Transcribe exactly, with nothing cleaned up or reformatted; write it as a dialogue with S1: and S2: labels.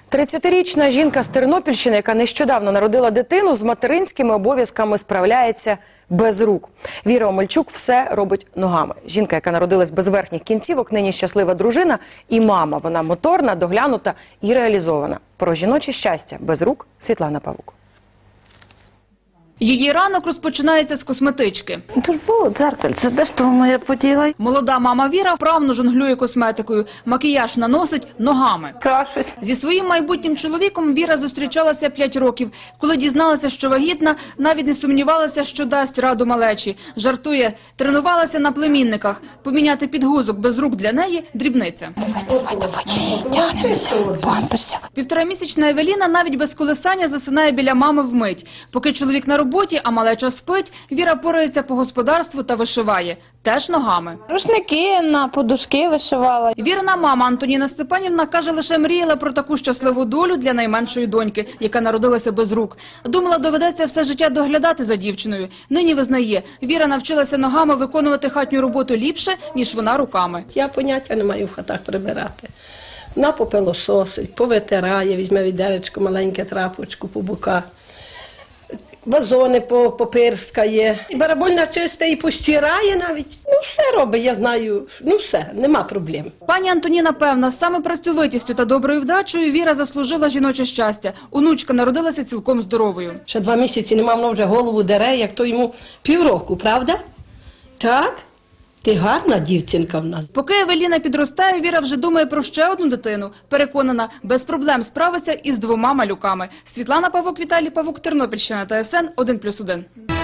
S1: тридцятирічна жінка з Тернопільщини, яка нещодавно народила дитину, з материнськими обов'язками справляється без рук. Віра Омельчук все робить ногами. Жінка, яка народилась без верхніх кінцівок, нині щаслива дружина і мама. Вона моторна, доглянута і реалізована. Про жіноче щастя без рук Світлана Павук.
S2: Її ранок розпочинається з косметички.
S3: Тут було дзеркальце, де ж то воно я поділа?
S2: Молода мама Віра вправно жонглює косметикою. Макіяж наносить ногами.
S3: Крашусь.
S2: Зі своїм майбутнім чоловіком Віра зустрічалася п'ять років. Коли дізналася, що вагітна, навіть не сумнівалася, що дасть раду малечі. Жартує, тренувалася на племінниках. Поміняти підгузок без рук для неї – дрібниця.
S3: Давай, давай, давай, тягнемося, памперся.
S2: Півторамісячна Евеліна навіть без колисання засинає біля мами вмить. Поки чоловік на роботі, а малеча спить, Віра порається по господарству та вишиває. Теж ногами.
S3: Рушники на подушки вишивала.
S2: Вірна мама Антоніна Степанівна каже, лише мріяла про таку щасливу долю для найменшої доньки, яка народилася без рук. Думала, доведеться все життя доглядати за дівчиною. Нині визнає, Віра навчилася ногами виконувати хатню роботу ліпше, ніж вона руками.
S4: Я поняття не маю в хатах прибирати. Вона попилососить, повитирає, візьме відеречко, маленьке трапочку по боках. Вазони попирскає, і барабольна чисте, і постирає навіть. Ну, все робить, я знаю, ну все, нема проблем.
S2: Пані Антоніна певна, саме працьовитістю та доброю вдачею Віра заслужила жіноче щастя. Онучка народилася цілком здоровою.
S4: Ще два місяці нема, воно вже голову дере, як то йому півроку, правда? Так? Ти гарна дівчинка в нас.
S2: Поки Евеліна підростає, Віра вже думає про ще одну дитину. Переконана, без проблем справиться із двома малюками. Світлана Павук, Віталій Павук, Тернопільщина, Т С Н один плюс один.